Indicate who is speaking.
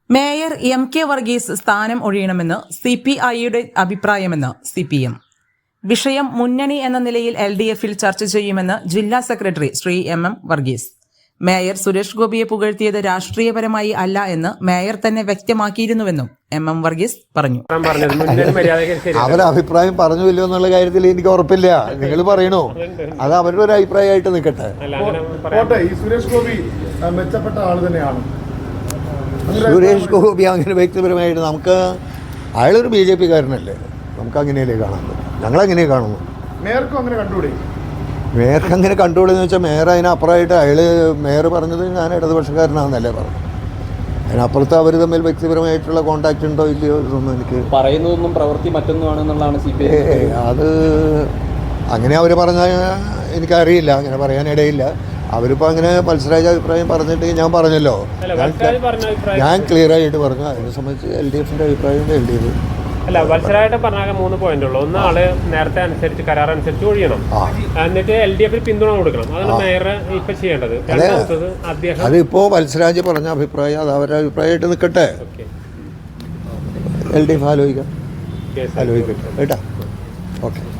Speaker 1: Mayor MK Varghese സ്ഥാനം ഒഴിയണമെന്ന് CPIയുടെ അഭിപ്രായമെന്ന് CPM. വിഷയം മുന്നണി എന്ന നിലയിൽ LDFിൽ ചർച്ച ചെയ്യുമെന്ന് ജില്ലാ secretary Shri MM Varghese. Mayor Suresh ഗോപിയെ പുകഴ്ത്തിയത് രാഷ്ട്രീയപരമായി അല്ല എന്ന് മേയർ തന്നെ വ്യക്തമാക്കിയിരുന്നുവെന്നും MM വർഗീസ് പറഞ്ഞു.
Speaker 2: അവരുടെ അഭിപ്രായം പറഞ്ഞില്ലോ എന്നുള്ള കാര്യത്തിൽ എനിക്ക് ഉറപ്പില്ല. നിങ്ങൾ പറയണോ, അത് അവരുടെ ഒരു അഭിപ്രായമായിട്ട് നിൽക്കട്ടെ.
Speaker 3: സുരേഷ് ഗോപി മെച്ചപ്പെട്ട ആൾ തന്നെയാണ്.
Speaker 2: സുരേഷ് ഗോപി അങ്ങനെ വ്യക്തിപരമായിട്ട് അയാളൊരു BJP കാരനല്ലേ, നമുക്ക് അങ്ങനെയല്ലേ കാണാൻ പറ്റും. ഞങ്ങളങ്ങനെ കാണുന്നു.
Speaker 3: മേയർക്കും അങ്ങനെ കണ്ടുകൂടെ?
Speaker 2: മേയർക്ക് അങ്ങനെ കണ്ടുകൂടെന്ന് വെച്ചാൽ മേയർ അതിനപ്പുറമായിട്ട് മേയർ പറഞ്ഞത് ഞാൻ ഇടതുപക്ഷക്കാരനാണെന്നല്ലേ പറഞ്ഞു. അതിനപ്പുറത്ത് അവർ തമ്മിൽ വ്യക്തിപരമായിട്ടുള്ള കോണ്ടാക്ട് ഉണ്ടോ ഇല്ലയോ ഇതൊന്നും എനിക്ക്
Speaker 4: പറയുന്നതൊന്നും പ്രവൃത്തി മറ്റൊന്നുമാണെന്നുള്ളതാണ് CPI.
Speaker 2: അത് അങ്ങനെ അവർ പറഞ്ഞാൽ എനിക്കറിയില്ല, അങ്ങനെ പറയാനിടയില്ല. അവരിപ്പോൾ അങ്ങനെ മത്സരാജ അഭിപ്രായം പറഞ്ഞിട്ട് ഞാൻ പറഞ്ഞല്ലോ, ഞാൻ ക്ലിയർ ആയിട്ട് പറഞ്ഞു. അതിനെ സംബന്ധിച്ച് LDFിൻ്റെ അഭിപ്രായം LDF
Speaker 5: അല്ല. മത്സരമായിട്ട് പറഞ്ഞാൽ 3 പോയിന്റ് ഉള്ളൂ. ഒന്ന്, ആള് നേരത്തെ അനുസരിച്ച് കരാർ അനുസരിച്ച് ഒഴിയണം, എന്നിട്ട് LDFിൽ പിന്തുണ കൊടുക്കണം. അതാണ് മേയർ ഇപ്പൊ ചെയ്യേണ്ടത്.
Speaker 2: അതിപ്പോ മത്സരാജ് പറഞ്ഞ അഭിപ്രായം അത് അവരുടെ അഭിപ്രായമായിട്ട് നിൽക്കട്ടെ. LDF ആലോചിക്കട്ടെ കേട്ടോ. ഓക്കെ.